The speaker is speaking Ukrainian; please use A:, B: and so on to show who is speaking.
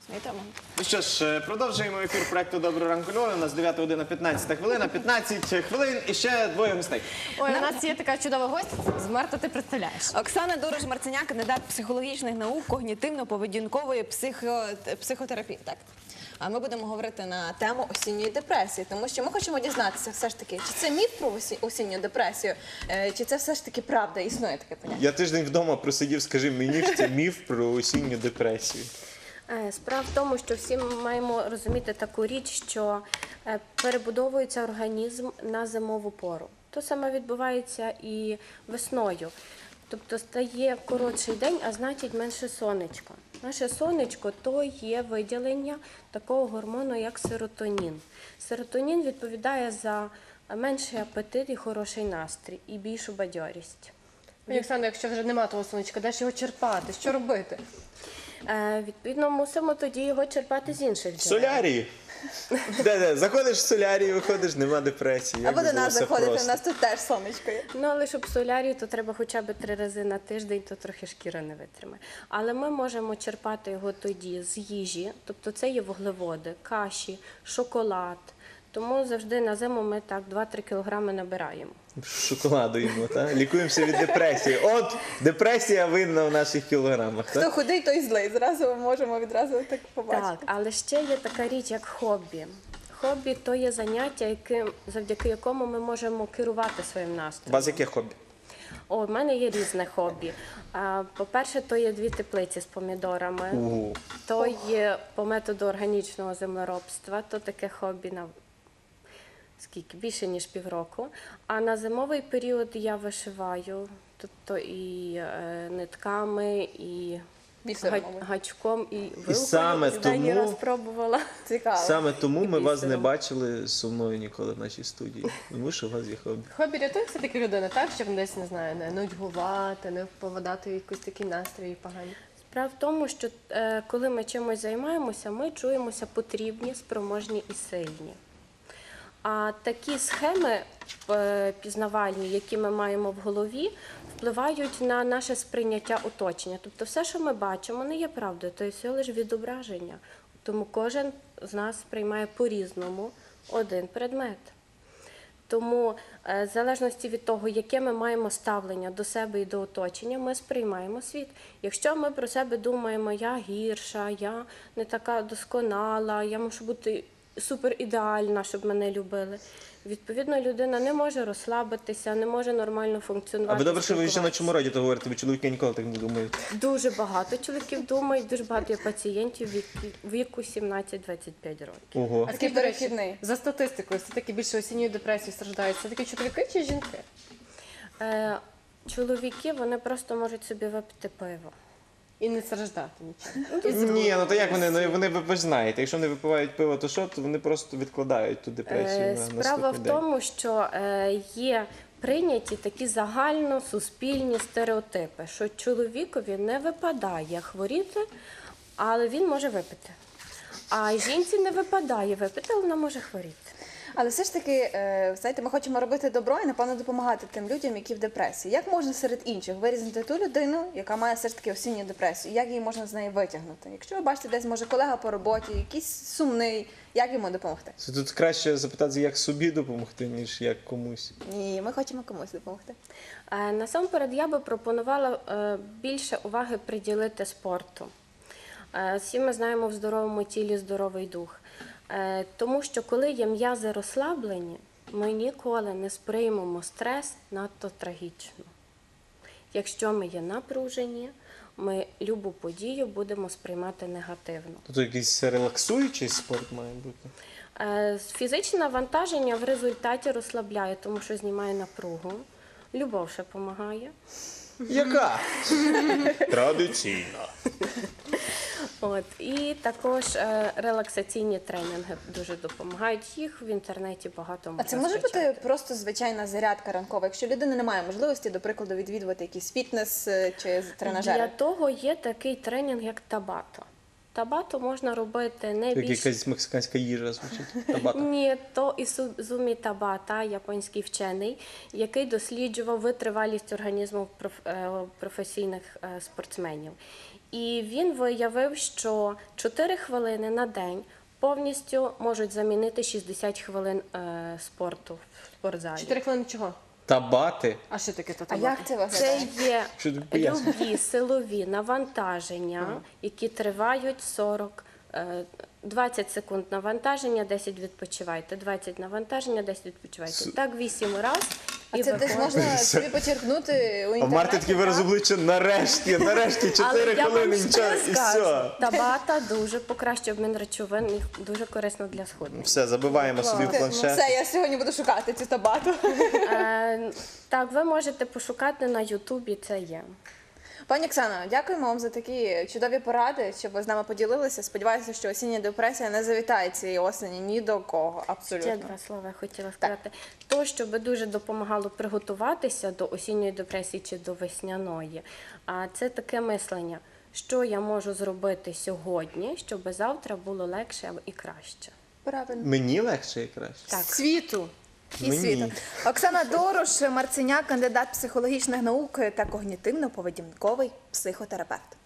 A: Вітаємо.
B: Ну що ж, продовжуємо ефір проекту «Доброго ранку, Львові». У нас 9 година 15 хвилина, 15 хвилин і ще двоє гостей.
A: Ой, у нас є така чудова гостя. Марта, ти представляєш.
C: Оксана Дорож-Марценяк, кандидат психологічних наук, когнітивно-поведінкової психотерапії. Так. А ми будемо говорити на тему осінньої депресії, тому що ми хочемо дізнатися все ж таки, чи це міф про осінню депресію, чи це все ж таки правда, існує таке поняття.
B: Я тиждень вдома просидів, скажи мені, що це міф про осінню депресію.
D: Справа в тому, що всі ми маємо розуміти таку річ, що перебудовується організм на зимову пору. То саме відбувається і весною. Тобто стає коротший день, а значить менше сонечка. Наше сонечко – то є виділення такого гормону, як серотонін. Серотонін відповідає за менший апетит і хороший настрій, і більшу бадьорість.
A: Пані Оксано, якщо вже нема того сонечка, де ж його черпати? Що робити?
D: Відповідно, мусимо тоді його черпати з інших
B: В
D: джерел.
B: солярії. Заходиш в солярій, виходиш, нема депресії. Як
C: Або
B: би
C: до
B: було
C: нас
B: все
C: заходити, у
B: просто.
C: нас тут теж сонечко є.
D: Ну, але щоб в солярії, то треба хоча б 3 рази на тиждень, то трохи шкіра не витримає. Але ми можемо черпати його тоді з їжі, тобто це є вуглеводи, каші, шоколад. Тому завжди на зиму ми так 2-3 кілограми набираємо.
B: Шоколаду їмо, так? Лікуємося від депресії. От, депресія видна в наших кілограмах,
C: Хто
B: так?
C: худий, той злий. Зразу ми можемо відразу так побачити.
D: Так, але ще є така річ, як хобі. Хобі – то є заняття, завдяки якому ми можемо керувати своїм
B: У
D: настроєм.
B: вас яке хобі?
D: О, в мене є різне хобі. По-перше, то є 2 теплиці з помідорами. То є по методу органічного землеробства, то таке хобі на скільки? Більше, ніж півроку. А на зимовий період я вишиваю, тобто і нитками, і
C: Бісером, мабуть.
D: гачком, і вилкою.
B: саме
D: Останній
B: тому-
D: раз пробувала.
C: Цікаво.
B: Саме тому ми вас не
D: бісером.
B: бачили сумною ніколи в нашій студії. Тому що у вас є хобі.
A: Хобі рятує все-таки людину, так? Щоб десь, не знаю, не нудьгувати, не впадати в якісь такі настрої погані.
D: Справа в тому, що коли ми чимось займаємося, ми чуємося потрібні, спроможні і сильні. А такі схеми пізнавальні, які ми маємо в голові, впливають на наше сприйняття оточення. Тобто все, що ми бачимо, не є правдою, то є всього лише відображення. Тому кожен з нас сприймає по-різному один предмет. Тому в залежності від того, яке ми маємо ставлення до себе і до оточення, ми сприймаємо світ. Якщо ми про себе думаємо, я гірша, я не така досконала, я мушу бути суперідеальна, щоб мене любили. Відповідно, людина не може розслабитися, не може нормально функціонувати.
B: А ви добре, що ви ще на
D: спілкуватися.
B: чому раді то говорите, ви чоловіки ніколи так не думають.
D: Дуже багато чоловіків думають, дуже багато є пацієнтів віку 17-25 років.
B: Ого.
A: А
C: Такий
A: скажіть, до речі,
C: перехідний.
A: за статистикою, все-таки більше осінньою депресією страждають все-таки чоловіки чи жінки?
D: Чоловіки, вони просто можуть собі випити пиво.
A: І не страждати нічого.
B: Ні, ну то як вони? Ну вони ви ж знаєте, якщо вони випивають пиво, то що? То вони просто відкладають ту депресію на
D: Справа
B: наступний
D: в
B: день.
D: тому, що є прийняті такі загальносуспільні стереотипи, що чоловікові не випадає хворіти, але він може випити. А жінці не випадає випити, але вона може хворіти.
C: Але все ж таки, знаєте, ми хочемо робити добро і, напевно, допомагати тим людям, які в депресії. Як можна серед інших вирізнити ту людину, яка має все ж таки осінню депресію? Як її можна з неї витягнути? Якщо ви бачите, десь може колега по роботі, якийсь сумний, як йому допомогти?
B: Це тут краще запитати, як собі допомогти, ніж як комусь.
C: Ні, ми хочемо комусь допомогти.
D: Насамперед, я би пропонувала більше уваги приділити спорту. Всі ми знаємо, в здоровому тілі здоровий дух. Тому що коли є м'язи розслаблені, ми ніколи не сприймемо стрес надто трагічно. Якщо ми є напружені, ми любу подію будемо сприймати негативно.
B: Тут якийсь релаксуючий спорт має бути.
D: Фізичне навантаження в результаті розслабляє, тому що знімає напругу. Любов ще допомагає.
B: Яка? Традиційна.
D: І також релаксаційні тренінги дуже допомагають. Їх в інтернеті багато
C: А
D: можна
C: це може
D: скачати.
C: бути просто звичайна зарядка ранкова, якщо людина не має можливості, до прикладу, відвідувати якийсь фітнес чи
D: Для
C: тренажери?
D: того є такий тренінг, як табато. Табато можна робити не
B: Як
D: більше.
B: якась мексиканська їжа звучить. Табата.
D: Ні, то Ісузумі Табата, японський вчений, який досліджував витривалість організму професійних спортсменів. І він виявив, що 4 хвилини на день повністю можуть замінити 60 хвилин спорту в спортзалі.
A: 4 хвилини чого?
B: Табати.
A: А що таке то
C: А як це виглядає?
D: Це є
B: Що ти пояснюєш?
D: любі силові навантаження, які тривають 20 секунд навантаження, 10 відпочивайте, 20 навантаження, 10 відпочивайте. Так 8 разів.
C: А це десь можна собі почерпнути у
B: А в
C: інтернеті?
B: Марти такий вираз
C: так?
B: обличчя нарешті 4
D: Але я
B: хвилини
D: вам
B: нічого,
D: ще
B: і
D: скажу,
B: все.
D: Табата дуже покращує обмін речовин і дуже корисно для схуднення.
B: Все, забиваємо собі в
C: Ну,
B: планшет.
C: все, я сьогодні буду шукати цю табату.
D: Так, ви можете пошукати на Ютубі, це є.
C: Пані Оксано, дякуємо вам за такі чудові поради, що ви з нами поділилися. Сподіваюся, що осіння депресія не завітає цієї осені ні до кого,
D: Ще
C: абсолютно.
D: 2 слова я хотіла сказати. То, що би дуже допомагало приготуватися до осінньої депресії чи до весняної, а це таке мислення, що я можу зробити сьогодні, щоб завтра було легше і краще.
C: Правильно.
B: Мені легше і краще.
D: Так.
A: Світу.
C: І
B: Мені.
C: світу. Оксана Дорош, Марценяк, кандидат психологічних наук та когнітивно-поведінковий психотерапевт.